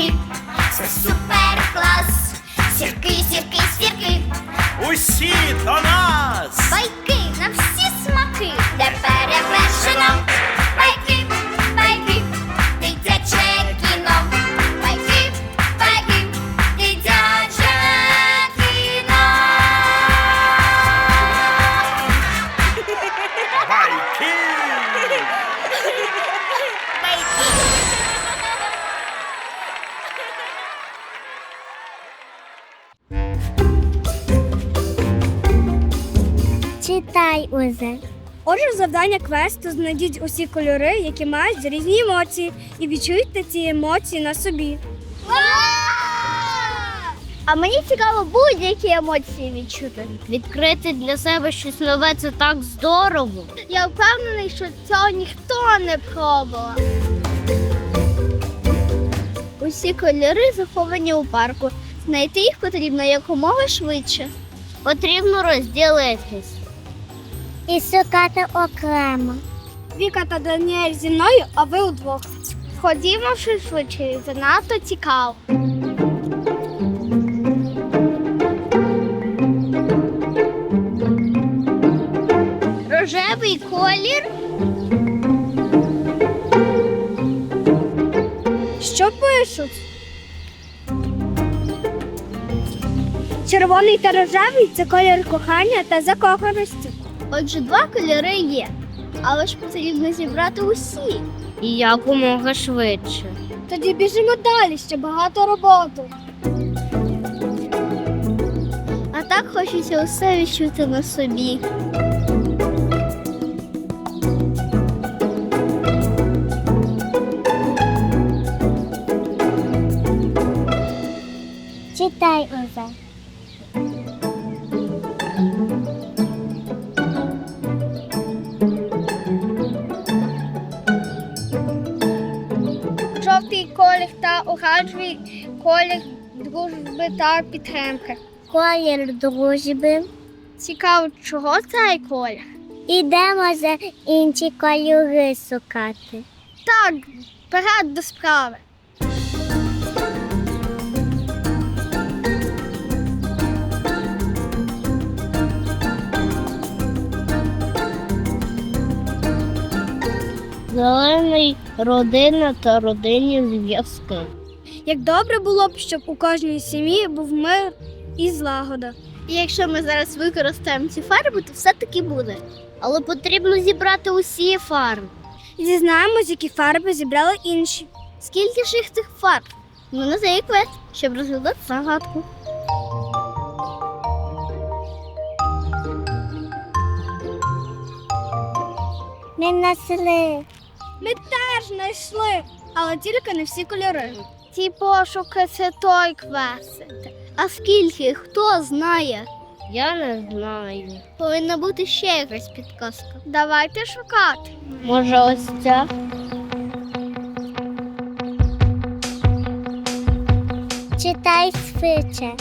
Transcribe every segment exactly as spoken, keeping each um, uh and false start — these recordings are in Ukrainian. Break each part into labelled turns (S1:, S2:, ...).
S1: сірки, це супер клас. Сірки, сірки, сірки,
S2: Усі до нас!
S1: байки на всі смаки, де перевершено. Байки, байки, дитяче кіно. Байки, байки, дитяче кіно.
S2: Байки!
S3: Читай, Узе.
S4: Отже, завдання квесту знайдіть усі кольори, які мають різні емоції, і відчуйте ці емоції на собі.
S3: А мені цікаво будь-які емоції відчути. Відкрити для себе щось нове – це так здорово. Я впевнений, що цього ніхто не пробував. Усі кольори заховані у парку. Знайти їх потрібно якомога швидше. Потрібно розділитись. І шукати окремо.
S4: Віка та Даніель зі мною, а ви удвох.
S3: Ходімо швидше, занадто цікаво. Рожевий колір.
S4: Що пишуть? Червоний та рожевий – це колір кохання та закоханості.
S3: Отже, два кольори є, але ж потрібно зібрати усі. І якомога швидше.
S4: Тоді біжимо далі, ще багато роботи.
S3: А так хочеться усе відчути на собі.
S4: Читай, Узе. Жовтий колір та оранжевий колір дружби та підтримки.
S3: Колір дружби.
S4: Цікаво, чого цей колір?
S3: Ідемо за інші кольори шукати.
S4: Так, вперед до справи.
S3: Зелений – родина та родинні зв'язки.
S4: Як добре було б, щоб у кожній сім'ї був мир і злагода.
S3: І якщо ми зараз використаємо ці фарби, то все-таки буде. Але потрібно зібрати усі фарби.
S4: І дізнаємось, які фарби зібрали інші.
S3: Скільки ж їх цих фарб? Ну, на цей квест, щоб розглядати загадку. Ми знайшли.
S4: Ми теж знайшли, але тільки не всі кольори.
S3: Ці пошуки – це той квест. А скільки? Хто знає? Я не знаю. Повинна бути ще якась підказка.
S4: Давайте шукати.
S3: Може, ось ця? Читай швидше.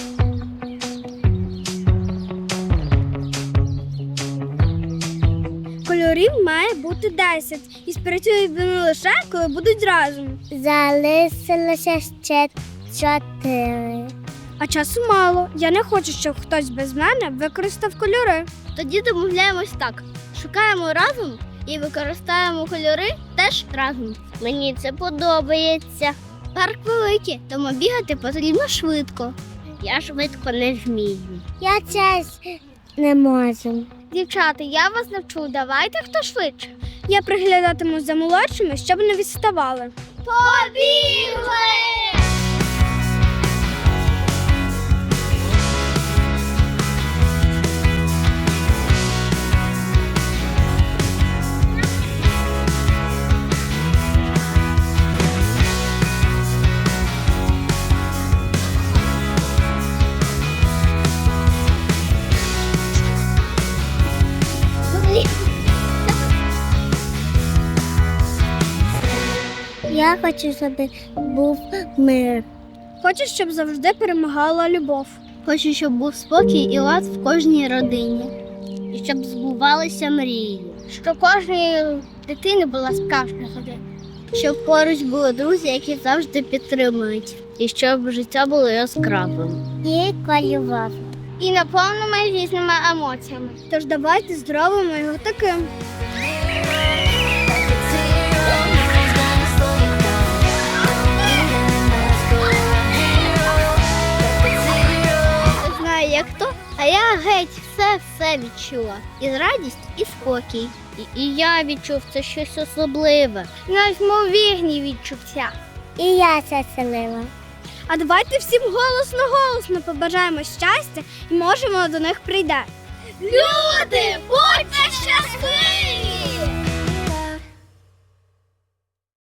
S4: Кольорів має бути десять. І спрацюють вони лише, коли будуть разом.
S3: Залишилося ще чотири.
S4: А часу мало. Я не хочу, щоб хтось без мене використав кольори.
S3: Тоді домовляємось так. Шукаємо разом і використаємо кольори теж разом. Мені це подобається. Парк великий, тому бігати потрібно швидко. Я швидко не вмію. Я час не можу.
S4: Дівчата, я вас навчу. Давайте хто швидше. Я приглядатиму за молодшими, щоб не відставали.
S3: Побігли! Я хочу, щоб був мир.
S4: Хочу, щоб завжди перемагала любов.
S3: Хочу, щоб був спокій і лад в кожній родині. І щоб збувалися мрії.
S4: Що кожної дитини була справжня година.
S3: Щоб поруч були друзі, які завжди підтримують. І щоб життя було яскравим. І кайфовим. І наповненими різними емоціями.
S4: Тож давайте зробимо його таким.
S3: Не знаю, як то, а я геть все-все відчула. І радість, і спокій. І, і я відчув це щось особливе. Неймовірні відчуття. І я це селила.
S4: А давайте всім голосно-голосно побажаємо щастя і можемо до них прийде.
S3: Люди, будьте щасливі!